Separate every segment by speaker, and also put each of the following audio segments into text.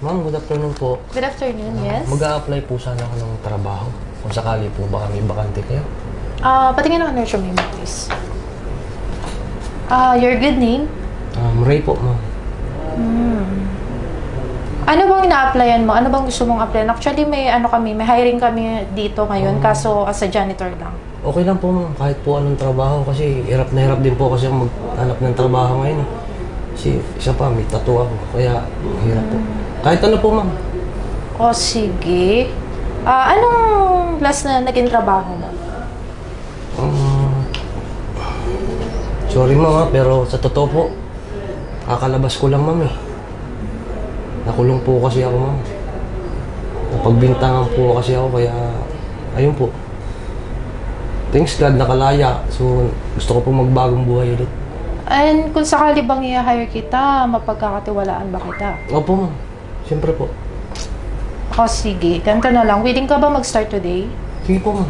Speaker 1: Ma'am, good afternoon po.
Speaker 2: Good afternoon, yes.
Speaker 1: Mag-a-apply po sana ako ng trabaho. Kung sakali po baka may bakante kayo.
Speaker 2: Patingin ang resume mo, please. Your good name?
Speaker 1: Ray po, ma'am.
Speaker 2: Ano bang ina-applyan mo? Ano bang gusto mong applyan? Actually, may hiring kami dito ngayon, kaso as a janitor lang.
Speaker 1: Okay lang po, ma'am. Kahit po anong trabaho. Kasi hirap na hirap din po kasi ako maghanap ng trabaho ngayon. Kasi isa pa, may tattoo ako. Kaya hirap po. Kahit ano po, ma'am.
Speaker 2: O, sige. Anong last na naging trabaho mo?
Speaker 1: Sorry, ma'am, pero sa totoo po, kakalabas ko lang, ma'am, eh. Nakulong po kasi ako, ma'am. Napagbintangan po kasi ako, kaya ayun po. Thanks God, nakalaya. So, gusto ko po magbagong buhay ulit.
Speaker 2: And kung sakali bang i-hire kita, mapagkakatiwalaan ba kita?
Speaker 1: Opo, ma'am. Siyempre po.
Speaker 2: O, sige. Ganito na lang. Willing ka ba mag-start today?
Speaker 1: Sige po, ma'am.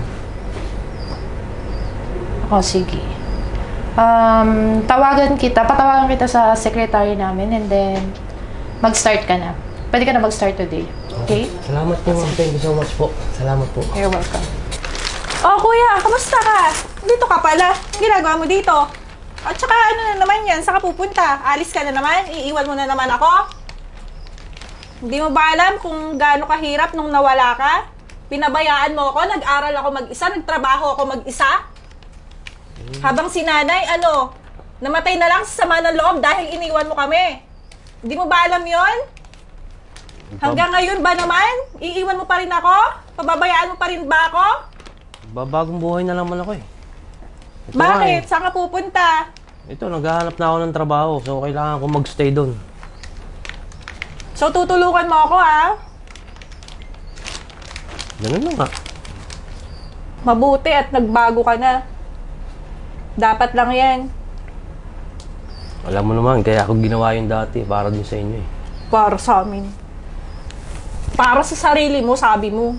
Speaker 2: O, sige. Patawagan kita sa secretary namin and then mag-start ka na. Pwede ka na mag-start today. Okay?
Speaker 1: Salamat po, ma'am. Thank you so much po. Salamat po.
Speaker 2: You're welcome.
Speaker 3: Oh, kuya, kamusta ka? Dito ka pala. Ang ginagawa mo dito? At saka ano na naman yan? Saan ka pupunta? Alis ka na naman? Iiwan mo na naman ako? Hindi mo ba alam kung gaano kahirap nung nawala ka? Pinabayaan mo ako, nag-aral ako mag-isa, nagtrabaho ako mag-isa? Habang si nanay, namatay na lang sa sama ng loob dahil iniwan mo kami. Hindi mo ba alam yon? Hanggang ngayon ba naman? Iiwan mo pa rin ako? Pababayaan mo pa rin ba ako?
Speaker 1: Babagong buhay na naman ako, eh. Ito
Speaker 3: Bakit?
Speaker 1: nga,
Speaker 3: Saan ka pupunta?
Speaker 1: Ito, naghahanap na ako ng trabaho. So, kailangan ko magstay doon.
Speaker 3: So, tutulungan mo ako, ha?
Speaker 1: Ganun na nga.
Speaker 3: Mabuti at nagbago ka na. Dapat lang yan.
Speaker 1: Alam mo naman, kaya ako ginawa yun dati para din sa inyo, eh.
Speaker 3: Para sa amin. Para sa sarili mo, sabi mo.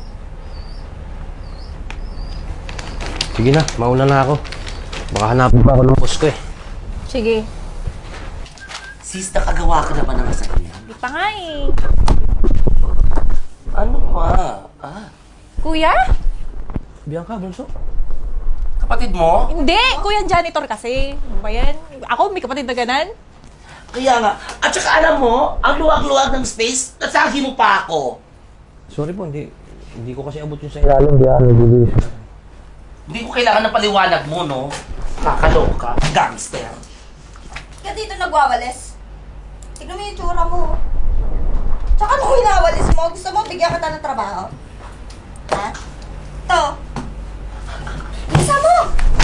Speaker 1: Sige na, mauna na ako. Baka hanapin pa ako ng boss ko, eh.
Speaker 3: Sige.
Speaker 4: Sis, nakagawa ka na ba ng masakyan?
Speaker 3: Di pa nga eh.
Speaker 4: Ano pa?
Speaker 3: Kuya?
Speaker 1: Bianca, bunso?
Speaker 4: Kapatid mo?
Speaker 3: Hindi! Kuya janitor kasi. Ano ba yan? Ako, may kapatid na ganan.
Speaker 4: Kaya nga. At saka alam mo, ang luwag-luwag ng space, nasagi mo pa ako.
Speaker 1: Sorry po, hindi ko kasi abot yung sa ilalim. Bilis.
Speaker 4: Hindi ko kailangan ng paliwanag mo, no? Kakaloka, gangster.
Speaker 5: Kaya dito nagwawalis. Tignan mo yung tsura mo. Tsaka nung hinawalis mo, gusto mo bigyan kita ng trabaho? Ha? To. Isa mo!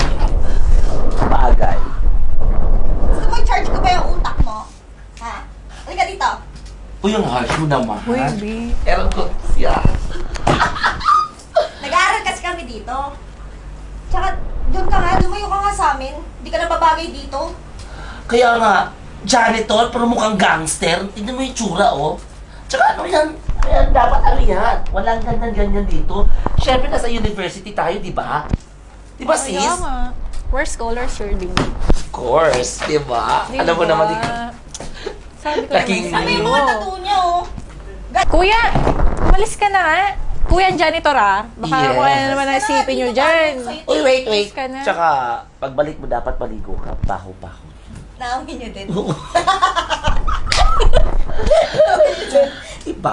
Speaker 4: Bagay.
Speaker 5: Gusto mo i-charge ko ba yung utak mo? Ha? Halika dito.
Speaker 4: Uy, ang harsh mo naman.
Speaker 3: Uy, B.
Speaker 4: Ewan ko siya.
Speaker 5: Nag-aaral kasi kami dito. Tsaka, doon ka nga, lumayo ka nga sa amin. Hindi ka na babagay dito.
Speaker 4: Kaya nga, janitor, pero mukhang gangster. Tignan mo yung tsura, oh. Tsaka ano yan? Ayan, dapat ano yan? Walang ganyan-ganyan dito. Siyempre, nasa university tayo, di ba? Di ba, sis?
Speaker 3: Kaya nga. We're scholars, sure din.
Speaker 4: Of course, di ba? Alam mo naman,
Speaker 3: Sabi ko
Speaker 4: Laking-
Speaker 3: naman
Speaker 5: Sabi yung
Speaker 3: sa'yo.
Speaker 5: mga tattoo niya, oh.
Speaker 3: Kuya, umalis ka na nga. Kuya janitor, ah. Baka
Speaker 4: Yes.
Speaker 3: kung ano naman ang isipin nyo dyan.
Speaker 4: Uy, wait.
Speaker 3: Umalis ka na.
Speaker 4: Tsaka, pagbalik mo dapat maligo ka. Baho-baho.
Speaker 5: Naangin niyo din.
Speaker 4: Diba?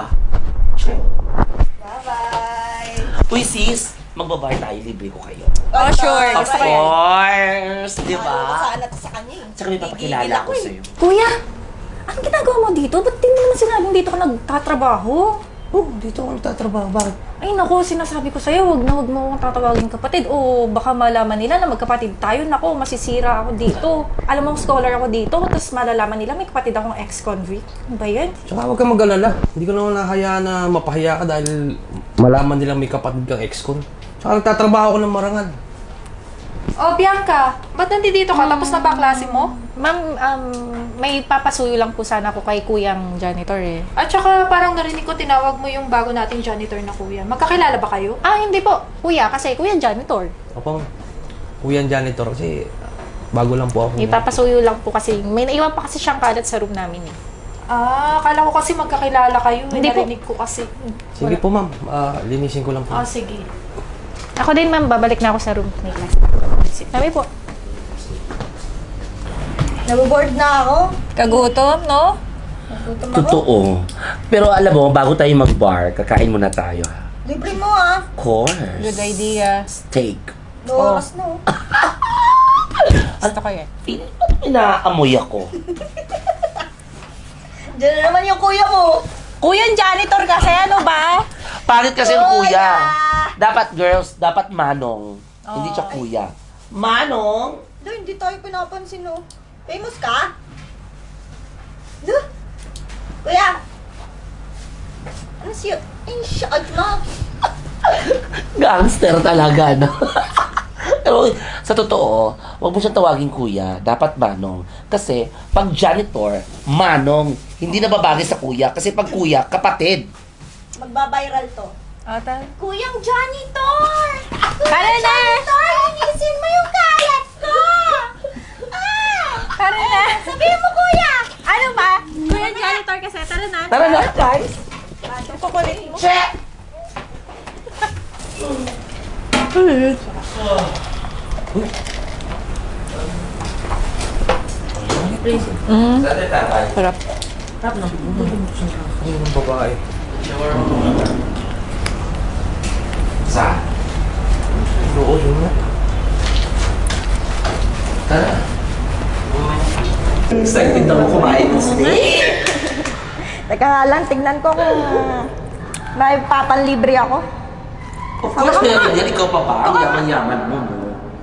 Speaker 5: Bye-bye.
Speaker 4: Uy, sis, magbabayad tayo, libre ko kayo.
Speaker 3: Oh, sure.
Speaker 4: Of
Speaker 3: Gusto ko yan.
Speaker 4: course, di
Speaker 5: Ano ko
Speaker 4: ba?
Speaker 5: sana to sa kanya, eh.
Speaker 4: Tsaka may papakilala
Speaker 5: Gigigil
Speaker 4: ko
Speaker 5: eh.
Speaker 4: sa'yo.
Speaker 3: Kuya, anong ginagawa mo dito? Ba't di mo naman sinabing dito ka nagtatrabaho?
Speaker 1: Oh, dito ako nagtatrabaho. Bakit?
Speaker 3: Ay naku, sinasabi ko sa'yo, wag mo akong tatawagin kapatid o baka malaman nila na magkapatid tayo. Naku, masisira ako dito. Alam mo, scholar ako dito, tapos malalaman nila may kapatid akong ex-convict. Ano ba yan?
Speaker 1: Tsaka huwag kang mag-alala. Hindi ko naman nahayaan na mapahiya ka dahil malaman nila may kapatid kang ex-con. Tsaka nagtatrabaho ko ng marangal.
Speaker 2: Oh, Bianca, ba't nandito ka? Tapos na ba ang klase mo? Ma'am, may papasuyo lang po sana ako kay kuyang janitor eh. At saka parang narinig ko tinawag mo yung bago nating janitor na kuya. Magkakilala ba kayo? Ah, hindi po. Kuya, kasi kuyang janitor.
Speaker 1: Opo, kuya janitor kasi bago lang po ako.
Speaker 2: May papasuyo lang po kasi may naiwan pa kasi siyang kalat sa room namin eh. Akala ko kasi magkakilala kayo.
Speaker 3: Hindi po.
Speaker 2: Narinig ko kasi.
Speaker 1: Sige po, ma'am. Linisin ko lang po.
Speaker 2: Sige.
Speaker 3: Ako din, ma'am. Babalik na ako sa room ni class. Kami po.
Speaker 5: Naboboard na ako.
Speaker 3: Kagutom, no?
Speaker 5: Nagutom ako.
Speaker 4: Totoo. Pero alam mo, bago tayo mag-bar, kakain muna tayo. Ha?
Speaker 5: Libre mo ah.
Speaker 4: Of course.
Speaker 3: Good idea.
Speaker 4: Steak.
Speaker 5: Oras na oh.
Speaker 3: Gusto ko yan.
Speaker 4: Feeling ba't inaamoy ako?
Speaker 5: Diyan na naman yung kuya mo.
Speaker 3: Kuya, janitor kasi, ano ba?
Speaker 4: Parit kasi yung kuya.
Speaker 5: Kuya!
Speaker 4: Dapat girls, dapat manong. Hindi siya kuya. Manong?
Speaker 5: Lo, hindi tayo pinapansin oh. Famous ka? Lo? Kuya! Ano siya? Ay, shot na.
Speaker 4: Gangster talaga, no? Pero sa totoo, wag mo siyang tawagin kuya. Dapat manong. Kasi pag janitor, manong. Hindi na babagay sa kuya. Kasi pag kuya, kapatid.
Speaker 5: Magbabiral to.
Speaker 3: Ata.
Speaker 5: Kuyang janitor!
Speaker 3: Tara na!
Speaker 5: Janitor, linisin mo yung kalat ko! Ah!
Speaker 3: Tara na!
Speaker 5: Sabihin mo, kuya!
Speaker 3: Ano ba? Kuya, janitor kasi. Tara na.
Speaker 4: Tara na, guys.
Speaker 3: Kukulit mo.
Speaker 4: Check!
Speaker 3: Sarap.
Speaker 1: Ayun ang babae.
Speaker 4: Sa?
Speaker 1: Oo, yun nga.
Speaker 4: Tara. Excited ako kumain ng steak.
Speaker 5: Teka nga lang, tignan ko kung may papanlibre ako.
Speaker 4: Of course, meron yan. Ikaw pa ba? Ang yaman-yaman mo, no?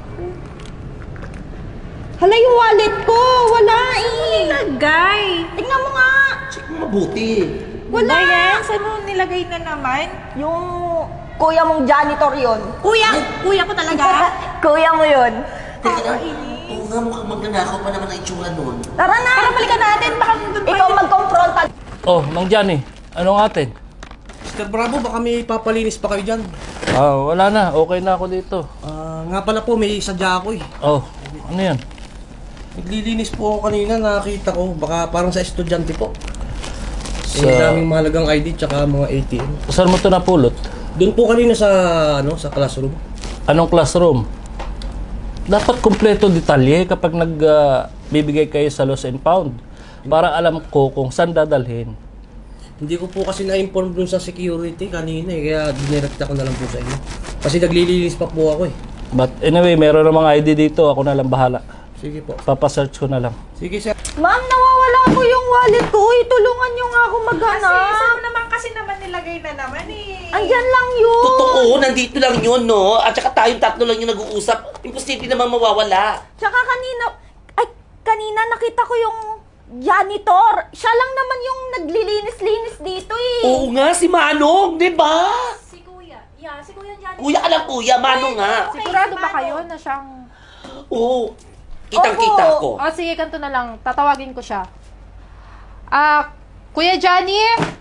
Speaker 5: Hala, yung wallet ko! Wala eh!
Speaker 3: Nilagay.
Speaker 5: Tignan mo nga!
Speaker 4: Check mo mabuti.
Speaker 3: Wala yan. Saan mo nilagay na naman?
Speaker 5: Yung kuya mong janitor yon.
Speaker 3: Kuya! Kuya ko talaga.
Speaker 5: Kuya mo yon.
Speaker 4: Teka na. Oo nga, mukhang magnanakaw pa naman ang itsura nun.
Speaker 5: Tara na! Tara, balikan natin! Baka ikaw magkompronta.
Speaker 6: Oh, Mang Johnny, anong atin?
Speaker 1: Mr. Bravo, baka may papalinis pa kayo dyan.
Speaker 6: Wala na. Okay na ako dito.
Speaker 1: Nga pala po, may sadya ako eh.
Speaker 6: Oh, ano yan?
Speaker 1: Naglilinis po ako kanina, nakakita ko. Baka parang sa estudyante po.
Speaker 6: Sa-
Speaker 1: daming mahalagang ID tsaka mga ATM.
Speaker 6: Saan mo ito napulot?
Speaker 1: Doon po kanina sa, sa classroom.
Speaker 6: Anong classroom? Dapat kumpleto detalye kapag nagbibigay kayo sa lost and found. Para alam ko kung saan dadalhin.
Speaker 1: Hindi ko po kasi na-inform dun sa security kanina eh. Kaya dinirekta ko na lang po sa inyo. Kasi naglilinis pa po ako eh.
Speaker 6: But anyway, meron namang ID dito. Ako na lang bahala.
Speaker 1: Sige po.
Speaker 6: Papasearch ko na lang.
Speaker 1: Sige sir.
Speaker 5: Ma'am, nawawala po yung wallet ko. Tulungan niyo nga ako maghanap.
Speaker 3: naman kasi naman nilagay na naman eh.
Speaker 5: Andyan lang yun.
Speaker 4: Totoo, nandito lang yun, no? At saka tayong tatlo lang yung nag-uusap. Imposible naman mawawala.
Speaker 5: Tsaka kanina nakita ko yung janitor. Siya lang naman yung naglilinis-linis dito eh.
Speaker 4: Oo nga, si Manong, di ba?
Speaker 2: Si Kuya. Yeah, si Kuya dyan.
Speaker 4: Kuya ka lang, kuya. Manong nga.
Speaker 2: Sigurado ba kayo na siyang...
Speaker 4: Oo. Kitang-kita ko.
Speaker 2: Sige, ganito na lang. Tatawagin ko siya. Kuya Johnny?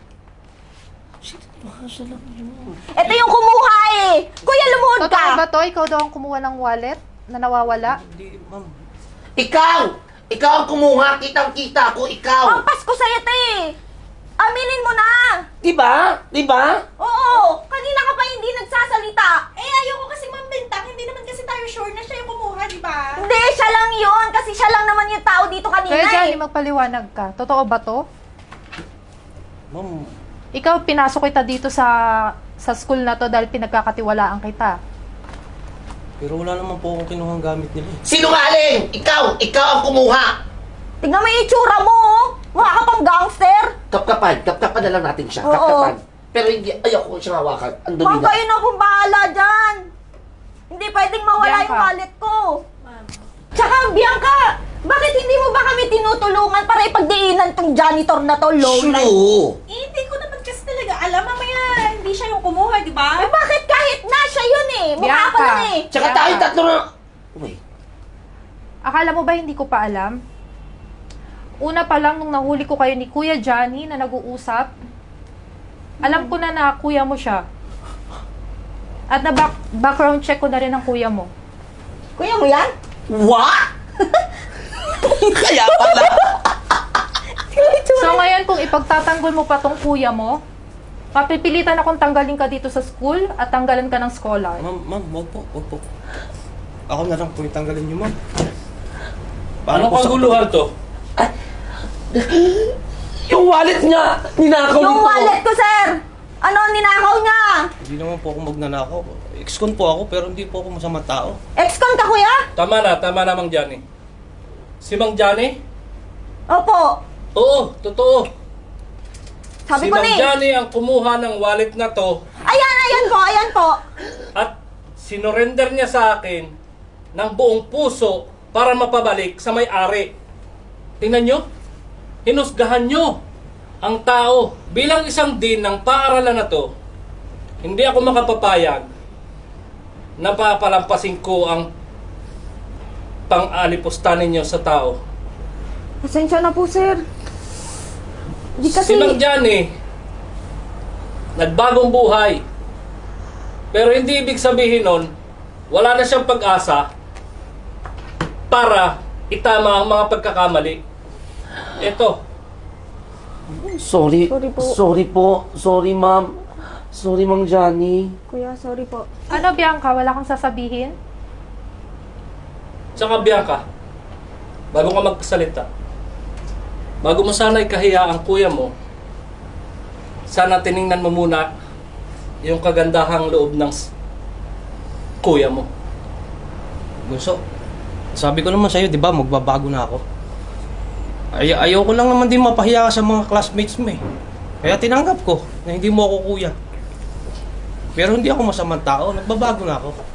Speaker 5: Ito yung kumuha eh. Kuya, lumuhod
Speaker 2: Totoo
Speaker 5: ka.
Speaker 2: ba to? Ikaw daw ang kumuha ng wallet na nawawala?
Speaker 1: Hindi, ma'am.
Speaker 4: Ikaw! Ikaw ang kumuha. Kitang-kita ko, ikaw.
Speaker 5: Pampas ko sa'yo ito eh. Aminin mo na.
Speaker 4: Di ba? Di ba?
Speaker 5: Oo, kanina ka pa hindi nagsasalita. Ayoko kasi mambintang. Hindi naman kasi tayo sure na siya yung kumuha, di ba? Hindi, siya lang yun. Kasi siya lang naman yung tao dito kanina
Speaker 2: Kuya Johnny,
Speaker 5: eh.
Speaker 2: magpaliwanag ka. Totoo ba to?
Speaker 1: Ma'am,
Speaker 2: Ikaw, pinasok kita dito sa school na to dahil pinagkakatiwalaan kita.
Speaker 1: pero wala naman po akong kinuhang gamit nila eh.
Speaker 4: Sinungaling! Ikaw! Ikaw ang kumuha!
Speaker 5: Tignan mo yung itsura mo, oh. Mukha ka pang gangster.
Speaker 4: Kapkapan na lang natin siya.
Speaker 5: Oo.
Speaker 4: Kapkapan. Pero hindi, ayoko siyang hawakan. Ang dumi
Speaker 5: Ma'am,
Speaker 4: na.
Speaker 5: kayo na akong bahala dyan. Hindi pwedeng mawala
Speaker 2: Bianca.
Speaker 5: yung wallet ko. Tsaka, Bianca, bakit hindi mo ba kami tinutulungan para ipagdiinan tong janitor na to, low life?
Speaker 4: Sure!
Speaker 3: Hindi ko naman kasi talaga alam. Mamaya, hindi siya yung kumuha, di ba?
Speaker 5: Eh, bakit kahit na siya yun eh? Mukha pa
Speaker 2: Bianca.
Speaker 5: lang eh.
Speaker 4: Tsaka
Speaker 2: Bianca.
Speaker 4: tayong tatlo na... Wait.
Speaker 2: Akala mo ba hindi ko pa alam? Una pa lang nung nahuli ko kayo ni Kuya Johnny na nag-uusap, alam ko na kuya mo siya. At na background check ko na rin ang kuya mo.
Speaker 5: Kuya mo yan?
Speaker 4: What? Kaya pala.
Speaker 3: itsura.
Speaker 2: So ngayon, kung ipagtatanggol mo pa tong kuya mo, mapipilitan akong tanggalin ka dito sa school at tanggalan ka ng scholar.
Speaker 1: Ma'am, wag po. Ako na lang po yung tanggalin niyo, ma'am.
Speaker 6: Ano
Speaker 1: po sa-
Speaker 6: kaguluhan to?
Speaker 4: Yung wallet niya! Ninakaw
Speaker 5: Yung
Speaker 4: nito!
Speaker 5: wallet ko, sir! Ano, ninakaw niya?
Speaker 1: Hindi naman po ako magnanakaw. Ex-con po ako, pero hindi po ako masamang tao.
Speaker 5: Ex-con ka, kuya?
Speaker 6: Tama na, Mang Johnny. Si Mang Johnny?
Speaker 5: Opo.
Speaker 6: Oo, totoo.
Speaker 5: Sabi
Speaker 6: Si
Speaker 5: ko
Speaker 6: Mang
Speaker 5: na eh.
Speaker 6: Johnny ang kumuha ng wallet na to
Speaker 5: Ayan po.
Speaker 6: at sinorender niya sa akin ng buong puso para mapabalik sa may-ari. Tingnan nyo, hinusgahan nyo ang tao. Bilang isang dean ng paaralan na to, hindi ako makapapayag na papalampasin ko ang pang-alipusta ninyo sa tao.
Speaker 5: Pasensya na po, sir. Di
Speaker 6: Si Mang Johnny, nagbagong buhay. Pero hindi ibig sabihin nun, wala na siyang pag-asa para itama ang mga pagkakamali. Ito,
Speaker 4: Sorry.
Speaker 5: Sorry po.
Speaker 4: Sorry po. Sorry, ma'am. Sorry, Mang Johnny.
Speaker 5: Kuya, sorry po.
Speaker 2: Ano, Bianca? Wala kang sasabihin?
Speaker 6: tsaka Bianca, bago ka magsalita, bago mo sana ikahiya ang kuya mo, sana tiningnan mo muna yung kagandahang loob ng kuya mo.
Speaker 1: Bunso, sabi ko naman sa'yo, di ba, magbabago na ako. Ayoko lang naman din mapahiya ka sa mga classmates mo eh. Kaya tinanggap ko na hindi mo ako kuya. Pero hindi ako masamang tao, nagbabago na ako.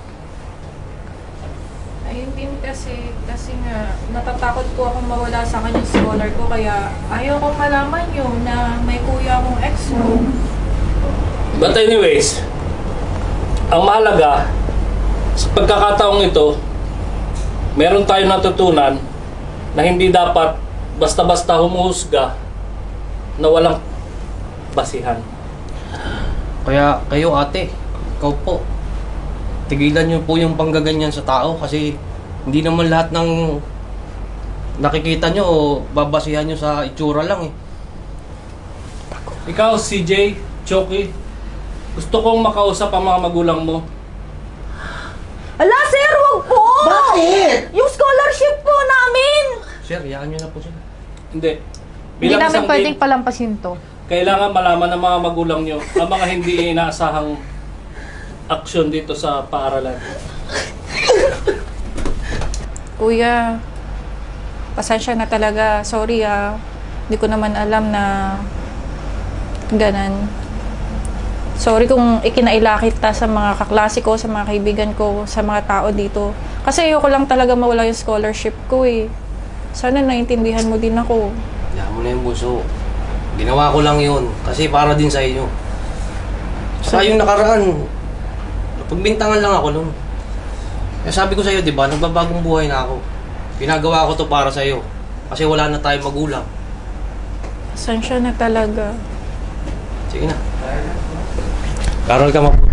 Speaker 2: Ayun din kasi nga, natatakot po akong mawala sa kanya yung scholar ko, kaya ayaw kong malaman yun na may kuya akong ex mo.
Speaker 6: But anyways, ang mahalaga, sa pagkakataong ito, meron tayong natutunan na hindi dapat basta-basta humuhusga na walang basihan.
Speaker 1: Kaya kayo ate, ikaw po, tigilan niyo po yung panggaganyan sa tao kasi hindi naman lahat ng nakikita niyo o babasihan niyo sa itsura lang eh.
Speaker 6: Ikaw, CJ, Choki, gusto kong makausap ang mga magulang mo.
Speaker 5: Ala, sir, wag po!
Speaker 4: Bakit?
Speaker 5: Yung scholarship po namin!
Speaker 1: Sir, hayaan niyo na po sila.
Speaker 6: Hindi.
Speaker 2: Hindi
Speaker 6: Bilang
Speaker 2: namin
Speaker 6: isang
Speaker 2: pwedeng
Speaker 6: din,
Speaker 2: palampasin to.
Speaker 6: kailangan malaman ng mga magulang nyo ang mga hindi inaasahang aksyon dito sa paaralan.
Speaker 2: Kuya, pasensya na talaga. Sorry Hindi ko naman alam na ganan. Sorry kung ikinaila kita sa mga kaklase ko, sa mga kaibigan ko, sa mga tao dito. Kasi ayoko lang talaga mawala yung scholarship ko eh. Sana naintindihan mo din ako.
Speaker 1: Hayaan mo na yung buso. Ginawa ko lang yun kasi para din sa inyo. Saka yung nakaraan, pagbintangan lang ako nun. Kaya sabi ko sa'yo, di ba, nagbabagong buhay na ako. Pinagawa ko to para sa'yo. Kasi wala na tayong magulang.
Speaker 2: Pasensya na talaga.
Speaker 1: Sige na. Karol ka mabuti.